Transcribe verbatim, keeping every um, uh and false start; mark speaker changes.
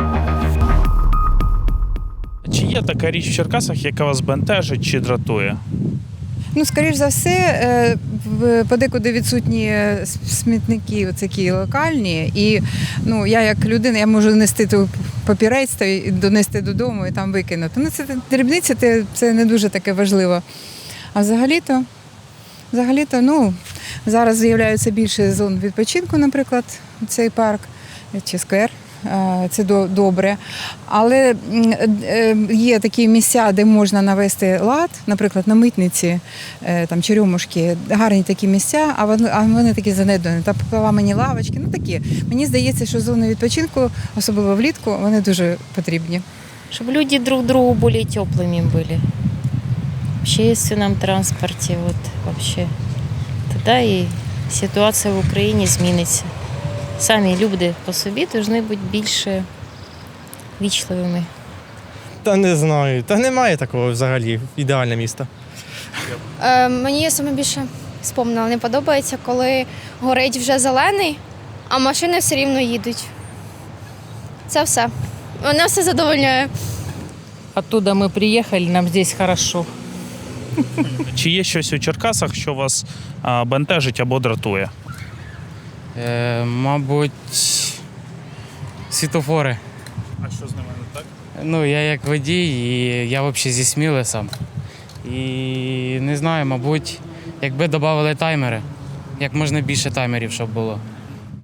Speaker 1: Чи є така річ в Черкасах, яка вас бентежить чи дратує?
Speaker 2: Ну, скоріш за все, е, в- подекуди відсутні с- смітники такі локальні. І ну, я як людина, я можу нести ту папірець та й донести додому і там викинути. Ну, це дрібниці, це, це не дуже таке важливо. А взагалі-то, взагалі-то, ну, зараз з'являються більше зон відпочинку, наприклад, цей парк чи сквер. Е, Це до- добре. Але м, е, є такі місця, де можна навести лад, наприклад, на Митниці, е, там Черемушки, гарні такі місця, а вони, а вони такі занедбані. Та поламані лавочки, ну такі. Мені здається, що зони відпочинку, особливо влітку, вони дуже потрібні.
Speaker 3: Чтобы люди друг другу более теплыми были. В общественном транспорте, вот вообще. Тогда и ситуація в Україні зміниться. Самі люди по собі повинні бути більше вічливими.
Speaker 4: Та не знаю. Та немає такого взагалі. Ідеальне місто.
Speaker 5: Е, мені саме більше спомнила, не подобається, коли горить вже зелений, а машини все рівно їдуть. Це все. Мене все задовольняє.
Speaker 6: Оттуда мы приехали, нам здесь хорошо.
Speaker 1: Чи є щось у Черкасах, що вас а, бентежить або дратує?
Speaker 7: Е, мабуть, світофори.
Speaker 1: А що з ними не так?
Speaker 7: Ну, я як водій, і я взагалі зі Сміли сам. І не знаю, мабуть, якби додали таймери, як можна більше таймерів, щоб було.